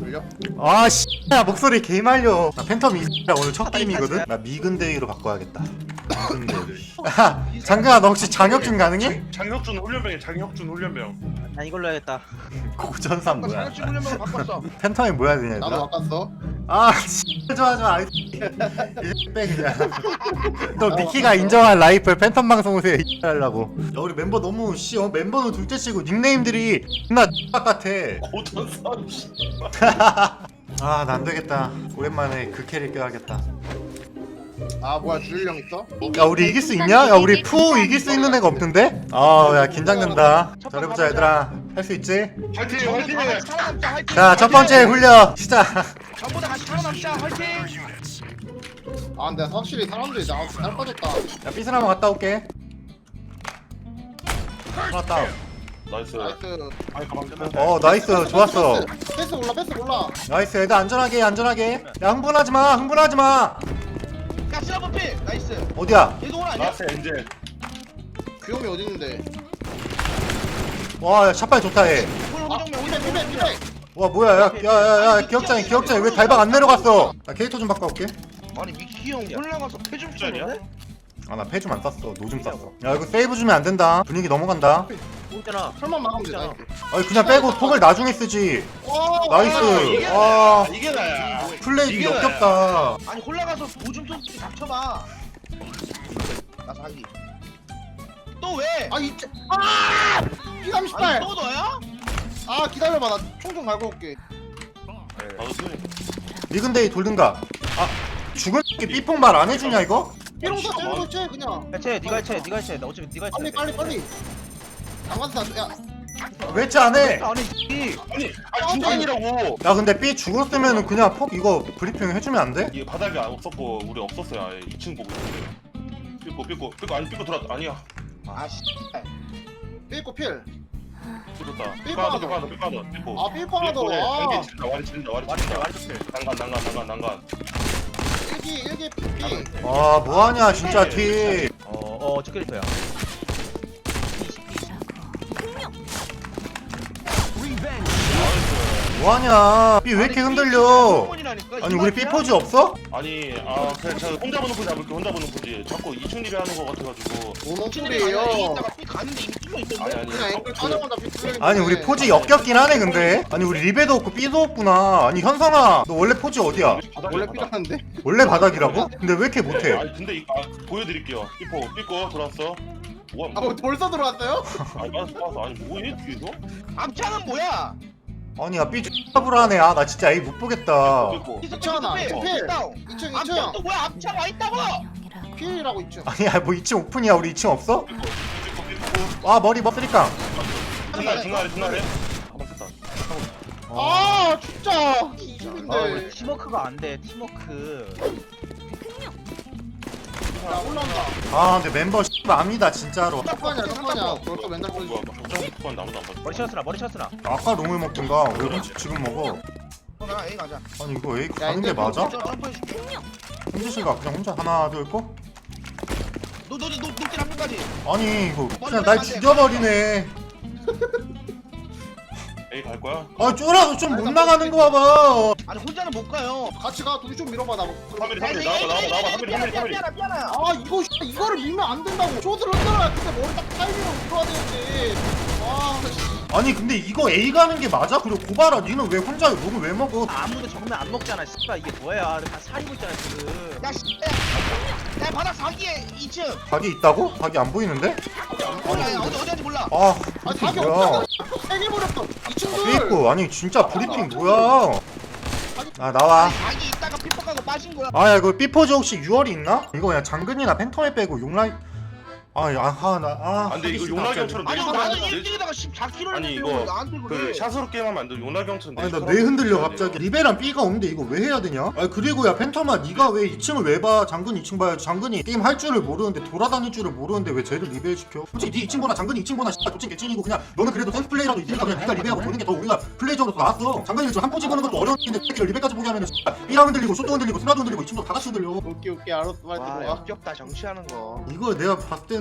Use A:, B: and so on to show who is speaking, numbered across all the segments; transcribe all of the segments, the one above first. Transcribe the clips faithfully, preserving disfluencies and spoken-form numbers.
A: 울려?
B: 아 씨, 야 목소리 개 말려. 나 팬텀 이 오늘 첫 게임이거든. 나 미근데이로 바꿔야겠다. 미근데이. 아, 장근아 너 혹시 장혁준 가능해?
C: 장혁준 훈련병이 장혁준 훈련병.
D: 난 이걸로 해야겠다.
B: 고전산 뭐야?
A: 장혁준 훈련병 바꿨어.
B: 팬텀이 뭐야 되냐
A: 나도
B: 얘들아?
A: 바꿨어.
B: 아 씨, 좋아하지 마. 이제 빼 그냥. 또 미키가 인정한 라이플 팬텀 방송 오세요 하려고. 야 우리 mem버 너무 씨 어, 멤버는 둘째치고 닉네임들이 나 같아.
C: 고전선.
B: 아 나 안되겠다. 오랜만에 그 캐릭 껴야겠다.
A: 아 뭐야 주일 형 있어?
B: 야 우리 이길 수 있냐? 야 우리 푸 이길 수 있는 애가 없는데? 아야 긴장된다. 잘해보자 얘들아. 할 수 있지?
C: 화이팅 화이팅.
A: 살아남자 화이팅.
B: 자 첫 번째 훈련 시작.
A: 전부 다 같이 살아남자 화이팅. 아 근데 확실히 사람들이 나한테 잘 빠졌다.
B: 야 삐슬 한번 갔다 올게. 하나 다운.
C: 나이스.
A: 나이스.
C: 아니 가방 끄면.
B: 어 나이스 좋았어.
A: 패스 올라 패스 올라.
B: 나이스 애들 안전하게 안전하게. 야 흥분하지마 흥분하지마.
A: 야 시라버 필. 나이스.
B: 어디야?
A: 얘도 오라 아니야?
C: 나이스 엔젤.
A: 귀요미 어디 있는데?
B: 와 샷발 좋다 얘.
A: 아 피백 피백 피백.
B: 와 뭐야 야야야야 기억장이 기억장이 왜 달방 안 내려갔어? 나 캐릭터 좀 바꿔올게.
A: 아니 미키 형 올라가서 패좀
C: 짤이야?
B: 아 나 패 좀 안 쌌어. 노 좀 쌌어. 야 이거 세이브 주면 안 된다. 분위기 넘어간다.
D: 있잖아.
A: 설만 막으면 돼 나이스.
B: 아니 그냥 빼고 톡을 나중에 쓰지.
A: 와,
B: 나이스.
A: 이게
B: 아
C: 이게 나야.
B: 플레이
C: 이게
B: 역겹다.
A: 아니 올라가서 오줌 좀 닥쳐봐. 나 사기. 또 왜? 아 이제 아! 피삼십팔. 또 너야? 아 기다려봐 나 총 좀 갈고 올게.
C: 나도 소리.
B: 미근데이 돌든가. 아 죽은 게 삐폭 말 안 해주냐 이거?
A: 삐롱사 째고 째 그냥.
D: 해체, 네가 해체, 네가 해체. 나 어차피 네가 해체.
A: 빨리 빨리 빨리. 장관사 야.
B: 왜지 안 해?
D: 아니, 이
C: 아니 아니 중간이라고.
B: 야 근데 삐 죽었으면은 그냥 폭 이거 브리핑 해주면 안 돼?
C: 이게 바닥이 없었고 우리 없었어요. 아예 이 층 보고 있는데. 삐고 삐고 삐고 아니 삐고 들어왔 아니야.
A: 아씨. 삐고 필.
C: 삐졌다.
A: 삐고
C: 삐고
A: 하나
C: 삐고 삐고 삐고.
A: 아 삐고 하나 더. 아.
C: 와리 친다 와리 친다 와리
D: 와리
C: 친다.
D: 와리 좋게.
C: 난간 난간 난간 난간.
A: 일기 일기 삐.
B: 아 뭐하냐 진짜 티.
D: 어, 어, 저 캐릭터야.
B: 뭐하냐? 삐 왜 이렇게 흔들려? 아니 우리 삐 포즈 없어?
C: 아니 아 그냥 제가 혼자 보는 포지 잡을게 혼자 보는 포지. 자꾸 이층 리베 하는 거 같아가지고.
A: 뭔 소리예요?
C: 아니 아니.
A: 그냥 앵글 타자마자 삐 뚫리는데.
B: 아니 우리 포즈 역겹긴 하네 근데. 아니 우리 리베도 없고 삐도 없구나. 아니 현성아 너 원래 포즈 어디야?
A: 원래 삐라는데?
B: 원래 바닥이라고? 근데 왜 이렇게 못해?
C: 아니 근데 이거 아, 보여드릴게요. 삐뽀 삐꼬 들어왔어. 뭐야
A: 아
C: 뭐?
A: 뭐 벌써 들어왔어요?
C: 아니 빠졌어 빠졌어. 아니 뭐해 뒤에서?
A: 암창은 뭐야?
B: 아니 야삐 X불하네. 아 나 진짜 에이 못 보겠다.
C: 삐꼬.
A: 이층 필. 이층 이층. 암창 또 뭐야? 암창 와 있다고. 필이라고 이층.
B: 아니야 뭐 이 층 오픈이야. 우리 이 층 없어?
C: 삐꼬 삐꼬.
B: 아 머리 머리깡.
C: 중간에 중간에 중간에. 가만 있다.
A: 아 진짜
D: 아, 우리
A: 이십인데.
D: 팀워크가 안 돼. 팀워크.
A: 야 올라온다.
B: 아 근데 멤버 맘이다 진짜로.
A: 짝파냐 짝파냐. 벌써 맨날
C: 뭐야
A: 보여줘.
C: 뭐 걱정 그건 아무도 안 봤어.
D: 머리 쳤으나, 머리 쳤으나.
B: 아까 롱을 먹든가 왜 혼자 지금 먹어?
A: 나 A 가자.
B: 아니 이거 에이 가는 게 맞아?
A: 점프해줄게.
B: 현지씨가 그냥 혼자 하나 둘 거?
A: 너너너 녹질 한 번까지.
B: 아니 이거 그냥 날 죽여버리네.
C: 에이 갈 거야?
B: 아 쫄아서 좀 못 나가는 거 봐봐.
A: 아니 혼자는 못 가요. 같이 가. 둘이 좀 밀어봐 나.
C: 삼일이 삼일이 나와봐 나와봐 나와봐 삼일이 삼일이 삼일이.
A: 아 이거 씨, 이거를 밀면 안 된다고. 쇼트를 흔들어야 근데 머리 딱 타이밍으로 들어야 되는데. 아 씨.
B: 아니 근데 이거 A 가는 게 맞아? 그리고 고바라 니는 왜 혼자 롱을 왜 먹어?
D: 아무도 정면 안 먹잖아. 씨발 이게 뭐야? 다 사리고 있잖아 지금.
A: 야 씨. 야 바닥 사기에 이 층.
B: 각이 있다고? 각이 안 보이는데?
A: 몰라 어디 어디인지 몰라.
B: 아
A: 아니
B: 브리핑
A: 답이
B: 뭐야?
A: 없잖아. 세개 버렸어. 이 층들.
B: 삐있고 아니 진짜 브리핑 뭐야? 아 나와.
A: 자기 있다가 삐폭하고 빠진 거야.
B: 아야 이거 삐포즈 혹시 유월이 있나? 이거 그냥 장근이나 팬텀에 빼고 용라이 아니 아나아
C: 아 근데 이거 용락형처럼
A: 아니
C: 내
A: 나는
C: 내-
A: 일 등에다가 십사 킬로를
C: 아니 이거
A: 나한테
C: 그
A: 그래.
C: 샷으로 게임하면 안 돼. 용락형처럼.
B: 아니 나 왜 흔들려 갑자기. 리베랑 B가 없는데 이거 왜 해야 되냐? 아니 그리고 야 팬텀아 니가 왜 이 층을 왜 봐? 장근 이 층 봐야지. 장근이 게임 할 줄을 모르는데 돌아다닐 줄을 모르는데 왜 쟤를 리베 시켜? 솔직히 니 이 층 보나 장근이 이 층 보나 씨발 도찐 개찐이고 그냥 너는 그래도 센스 플레이라도 있으니까 그냥 니가 리베하고 보는 게 더 우리가 플레이적으로 더 나았어. 장근이 지금 한 포지 보는 것도 어려운 일인데 새끼를 리베까지 보게 하면은 씨발 B랑 흔들리고 숏도 흔들리고 스나도 흔들리고 이 층도 다 같이 흔들려.
A: 오케이 오케이 알았어 빨리
E: 와
A: 들어와.
E: 역겹다 정치하는 거.
B: 이거 내가 봤을 때는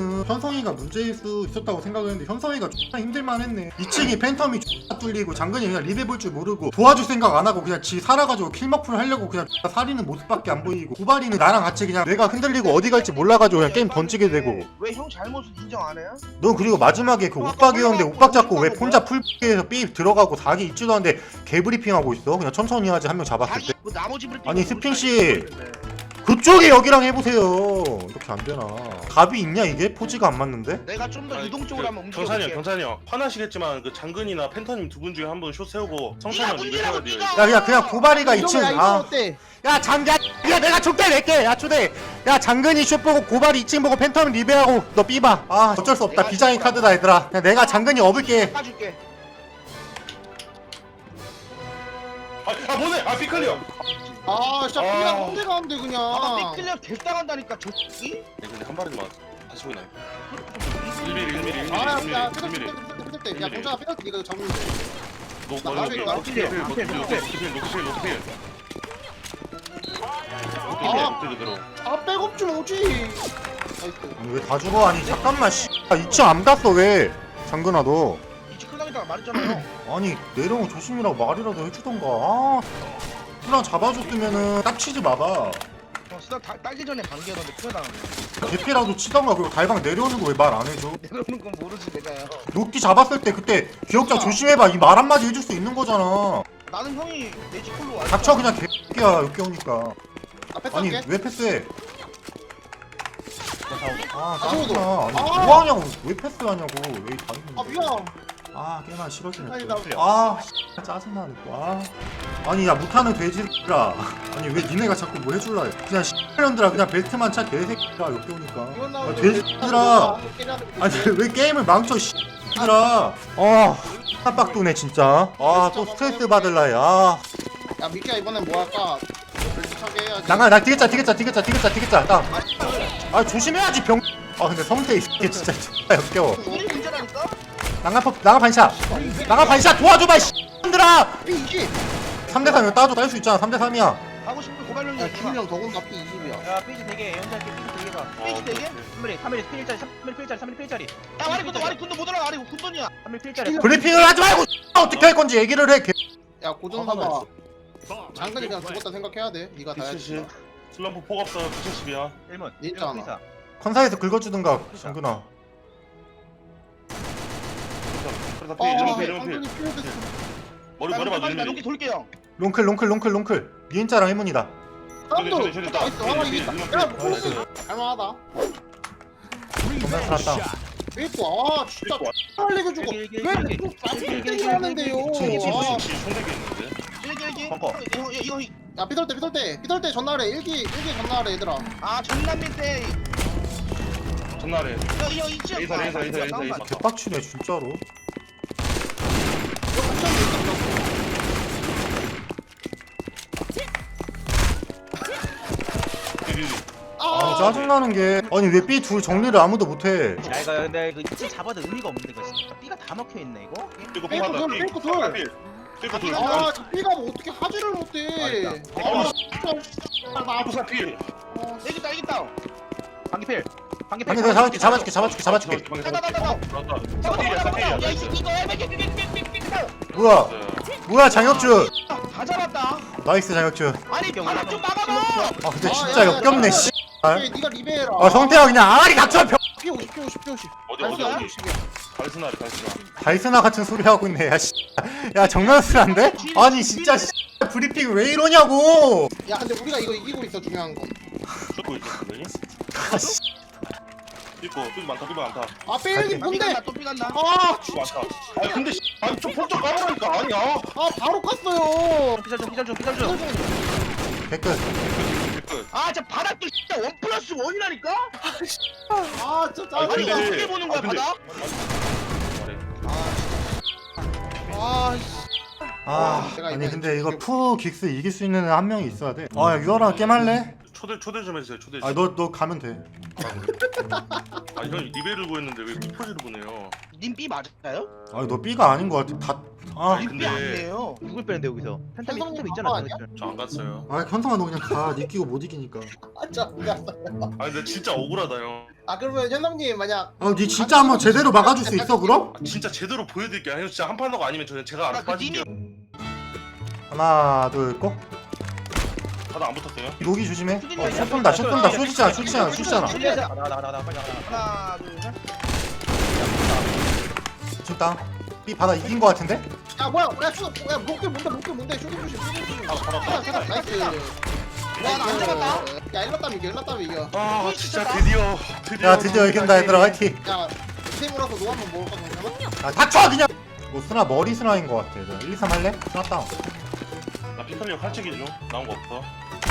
B: 처음에는 현성이가 문제일 수 있었다고 생각을 했는데 현성이가 X나 힘들만 했네. 이 층이 팬텀이 X나 뚫리고 장근이 그냥 리베 볼 줄 모르고 도와줄 생각 안 하고 그냥 지 살아가지고 킬머프를 하려고 그냥 X나 살리는 모습밖에 안 보이고 구발이는 나랑 같이 그냥 내가 흔들리고 어디 갈지 몰라가지고 그냥 게임 던지게 되고.
A: 왜 형 잘못을 인정 안 해요?
B: 넌 그리고 마지막에 그 옥박이었는데 옥박 잡고 왜 혼자 풀에서 삐 들어가고 사기 있지도 않는데 개브리핑하고 있어. 그냥 천천히 하지 한 명 잡았을 때.
A: 뭐 나머지 브리핑
B: 아니, 스핑 씨. 그쪽에 여기랑 해보세요. 이렇게 안 되나? 답이 있냐 이게? 포즈가 안 맞는데?
A: 내가 좀 더
C: 아니,
A: 유동적으로 한번
C: 그, 경산이 형
A: 움직여볼게.
C: 경산이 형 화나시겠지만 그 장근이나 펜터님 두 분 중에 한 분 슛 세우고 성찬이 형 리베 해야 돼요.
B: 야 그냥 그냥 고발이가 이 층.
A: 이러면
B: 아.
A: 어때?
B: 야 장야 야 내가 족대 낼게. 야 초대. 야 장근이 슛 보고 고발이 이 층 보고 팬텀 리베하고 너 삐봐. 아 어쩔 수 없다. 비장의 카드다 얘들아. 그냥 내가 장근이 업을게.
A: 까줄게.
C: 아, 아 뭐네? 아 피클리어.
E: 아 진짜
C: 아.
E: 그냥 혼자 가는데 그냥
A: 아까 삐클리어 개당한다니까 저 새끼.
C: 네, 근데 한 발에만 다시 보이나요? 일 미리 일 미리 일 미리
E: 아야
C: 일
E: 야
C: 미리 일 미리.
E: 삐뚤 삐뚤 야 공자가 삐뚤 이거 잡으면 돼
C: 노
E: 나
C: 노
E: 나중에
C: 노
E: 나
C: 노필 노필 노필 노필 노필 노필 노필
E: 아.
C: 노필 그대로.
E: 아 백업 좀 오지 나이스
B: 왜 다 죽어? 아니 잠깐만 씨. 아, 이 층 안 갔어 왜? 장근아 너.
A: 이치 클당이다가 말했잖아요.
B: 아니 내려오면 조심이라고 말이라도 해주던가. 아. 그냥 잡아줬으면은 딱 치지 마봐.
A: 어, 쓰다 다- 따기 전에 반기하던데 큰일당하네.
B: 개피라도 치던가. 그리고 달방 내려오는 거 왜 말 안 해줘?
A: 내려오는 건 모르지 내가요.
B: 녹기 잡았을 때 그때 기억자 조심해봐. 이 말 한마디 해줄 수 있는 거잖아.
A: 나는 형이 내지 콜로 와.
B: 닥쳐 그냥 개새끼야 여기 오니까.
E: 앞에
B: 아니
E: 탈게
B: 왜 패스해? 아
E: 저거도.
B: 짜증나. 아니
E: 아.
B: 뭐하냐고. 왜 패스하냐고. 왜 다 있는
E: 아
B: 거야.
E: 미안
B: 아 게임하기 싫어지네
E: 아니,
B: 또.
E: 나-
B: 아 씨, 짜증나네 또. 아. 아니 야 못하는 돼지들아. 아니 왜 니네가 자꾸 뭐 해줄라 해. 그냥 씨년들아 그냥 벨트만 차 개새끼야 여기 오니까.
E: 이건
B: 아
E: 나오는데
B: 돼지들아. 아니 왜 게임을 망쳐 씨들아. 아 깜빡도네 진짜. 아 또 스트레스 받을라 해. 아
E: 야 미키야 이번엔 뭐 할까 벨트차게 해야지
B: 나가 나 디귿자 디귿자 디귿자 디귿자 디귿자 딱. 아 조심해야지 병. 아 근데 성태 이게 진짜 진짜 역겨워.
A: 우리 문제라니까?
B: 나가 나가 반샷. 나가 반샷 도와줘봐 씨들아.
E: 피 이십
B: 삼 대 삼 이거 따줘 딸 수 있잖아. 삼 대 삼이야.
A: 하고 싶은 고발령이
E: 야
A: 있구나.
E: 김이랑 더군다 피 이십이야
D: 야 페이지 되게 연주할게 페이지 되게가
A: 페이지 되게?
D: 삼 밀리 삼 밀리 필짜리 삼 밀리 필짜리 삼 밀리 필짜리
A: 야 와리 군도 와리 군도 못 올라가 와리 군돈이야.
D: 삼 밀리 필짜리
B: 브리핑을 하지 말고 어떻게 할 건지 얘기를 해. 개-
E: 야 고정사봐 장근이 그냥 죽었다 생각해야 돼 니가 다
C: 이칠십
E: 해야지
C: 슬럼프 폭 없어 이칠십이야.
D: 일 문
E: 있잖아.
B: 컨사에서 긁어주든가 장근아.
C: 그래서
E: 아
C: 피 이런 피 이런 피
E: 장근이 필요했어
C: 머리 머리 맞아
A: 나
C: 이런
A: 여기
C: 피.
A: 돌게요.
B: 롱클 롱클 롱클 롱클. 니은자랑 해문이다.
E: 사람도
C: 저기, 저기, 저기,
E: 나이스
C: 저기,
E: 하나
C: 저기,
E: 이긴다
C: 저기,
E: 야
C: 저기,
E: 보스
C: 저기.
E: 할만하다
B: 정말 살았다.
E: 이거 아 진짜 빨리 주고
D: 여기, 여기,
E: 왜
D: 여기,
E: 또
D: 여기, 여기,
E: 쌀ጤ기 하는데요
B: 여기, 여기, 여기,
E: 아,
C: 혹시 총대기 있는데?
A: 일기 일기.
C: 벙커.
A: 이거 이거 이거.
E: 야 삐돌 때 삐돌 때 삐돌 때 전날에 일기 일기 전날에 얘들아
A: 아 전남미 때.
C: 전날에
A: 이거 이거 있지.
C: 에이사 에이사 에이사 에이사 에이사.
B: 개빡치네 진짜로. 아 짜증나는 게 아니 왜 B 둘 정리를 아무도 못해.
D: 야 이거 근데 이거 이치 잡아도 의미가 없는데 이거 진짜 B가 다 막혀있네 이거
C: 삐고
E: 삐고
C: 폭하다.
E: 둘, 삐고 둘.
C: 삐고 둘.
E: 아 삐가 뭐 어떻게 하지를 못해 아 진짜 나
C: 삐고 사피.
A: 이겼다 이겼다.
D: 방기필 방기필
B: 아니 내가 잡아줄게 잡아줄게 잡아줄게 잡아줄게.
A: 나나나나.
C: 사피야 사피야.
A: 야 이- 이거 에베게게게게게게.
B: 뭐야 뭐야 장혁준.
A: 다 잡았다.
B: 나이스 장혁준.
A: 아니 바닥 좀 막아봐.
B: 아 근데 진짜 역겹네 씨.
E: 삐 니가 리베해라
B: 아 성태야 그냥 아가리 닥쳐 병.
E: 피 오십 피 오십 피 오십
C: 어디 어디 어디.
E: 오십이야
C: 달스나리 달스나.
B: 달스나 같은 소리 하고 있네 야 씨. 야 정면스란데? 아니 진짜 씨. 브리핑 왜 이러냐고.
E: 야 근데 우리가 이거 이기고 있어 중요한 건
C: 쫓고 있어 선생님.
B: 아, 씨.
C: 삐고 삐고 많다 삐고 많다.
E: 아 빼기
A: 또
E: 뭔데
A: 삐간다 또 삐간다.
E: 아
C: 삐고 많다. 아 근데 씨, 아니 좀 폭좀 까보라니까 아니야.
E: 아 바로 깠어요
D: 피살 좀 피살 좀 피살 좀
B: 개끝.
C: 끝.
A: 아, 저 바닥도 진짜 원 플러스 원이라니까?
E: 아 진짜
C: 아니,
A: 아니,
C: 근데-
E: 짜증나
A: 어떻게 보는 거야,
C: 아, 근데-
A: 바닥?
C: 말해.
E: 아
B: 아
E: 제가
B: 아니
E: 이번에
B: 근데 이거
E: 이겨-
B: 푸 긱스 이길 수 있는 애 한 명이 있어야 돼. 아 유아랑 게임할래?
C: 초대 초대 좀 해주세요 초대.
B: 아 너 너 가면 돼.
C: 아니 형 리베를 구했는데 왜 피포지를 보내요?
A: 님 B 맞아요?
B: 아 너 B가 아닌 것 같아. 다. 아,
C: 아니,
A: 님
C: 근데-
A: B 아니에요.
D: 누굴 빼는데 여기서 팬텀이
E: 현성이
D: 팬텀 있잖아
E: 바빠 아니야?
D: 팬텀.
C: 저 안 갔어요.
B: 아 현성아 너 그냥 가. 니끼고 못 이기니까.
E: 아 진짜
C: 아 근데 진짜 억울하다 형.
E: 아 그러면 현남님 만약
B: 어니 진짜 한번 제대로 막아줄 수 있어 그럼?
C: 아, 진짜 제대로 보여드릴게요. 아니면 진짜 한 판 하고 아니면 저는 제가 알아서 빠질게요.
B: 하나 둘고
C: 다들 안 붙었어요?
B: 로기 조심해. 어, 슛 쏜다 슛 쏜다 슛이잖아 슛이잖아 슛이잖아.
D: 나나 나 나 빨리 나가.
A: 하나 둘셋
B: 지금 땅. B 받아 이긴 거 같은데?
E: 야 뭐야 야 슈, 야 목대 뭔데 목대 뭔데 슈팅 조심 슈팅 조심
C: 아, 잡았다.
E: 나이스 나이스
A: 와나안 잡았다
E: 야 일렀다면 이겨 일렀다면 이겨
C: 아 진짜 드디어 드디어
B: 야 드디어 이긴다 얘들아 화이팅.
E: 야 팀으로서 노 한번 먹을 거잖아
B: 아 닥쳐 그냥. 뭐 스나 머리 스나인 거 같아. 얘들아. 일, 이, 삼 할래? 스나 다운.
C: 나 피카미어 칼치기 중 나온 거 없어.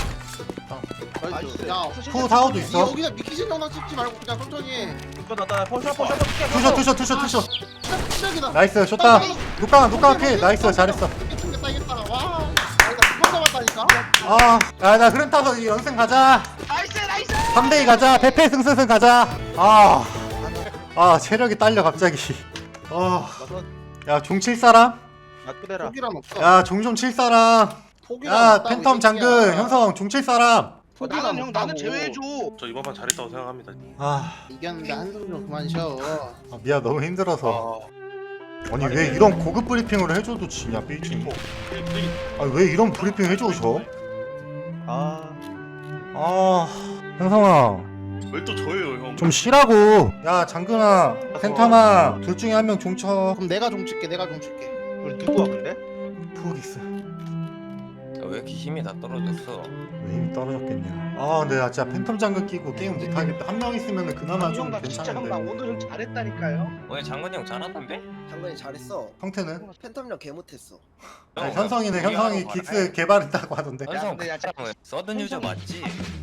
E: 나이스 야
B: 투 사오도 있어.
E: 여기다 미키진 영상 찍지 말고 그냥 천천히
D: 나나 포션 포션
B: 투셔 투셔 투셔 투셔.
E: 시작이다
B: 나이스 숏다. 누까 누까 피 나이스 잘했어.
E: 이겼다 이겼다 와 아니다 두번 잡았다니까
B: 아야나 흐름 타서 이 연승 가자.
A: 나이스 나이스
B: 삼 대 이 가자. 패패 승승승 가자. 아. 아 체력이 딸려 갑자기. 아. 야 종 칠 사람?
D: 나 끄대라.
E: 포기란 없어
B: 야 종 좀 칠 사람?
E: 포기란
B: 야
E: 없다고,
B: 팬텀
E: 이
B: 장군
E: 새끼야.
B: 형성 종 칠 사람?
E: 포기란
A: 나는 형 나는
E: 없다고.
A: 제외해줘
C: 저 이번 판 잘했다고 생각합니다.
B: 아,
E: 이겼는데 한숨 좀 그만 쉬어
B: 아 미안 너무 힘들어서.
C: 아,
B: 아니 왜 이런 고급 브리핑을 해줘도 지냐 삐지. 아니 왜 이런 브리핑 해줘서?
D: 아.
B: 아 형성아
C: 왜 또 저예요 형?
B: 좀 쉬라고. 야 장근아 팬텀아 둘 중에 한 명 종쳐.
E: 그럼 내가 좀 칠게 내가 좀 칠게
D: 우리 누구야 근데?
B: 푸기스.
F: 왜 이렇게 힘이 다 떨어졌어?
B: 왜 힘이 떨어졌겠냐. 아 근데 나 진짜 팬텀 장근 끼고 게임 못하겠다. 한 명 있으면 그나마 좀
A: 나 진짜 형나
B: 괜찮은데.
A: 오늘 형 잘했다니까요
F: 오늘 장건이 형 잘하던데?
G: 장관이 잘했어.
B: 형태는?
G: 팬텀력 개 못했어.
B: 아니, 현성이는 현성이 긱스 개발했다고 하던데.
F: 현성
A: 근데 야,
F: 서든 유저 맞지?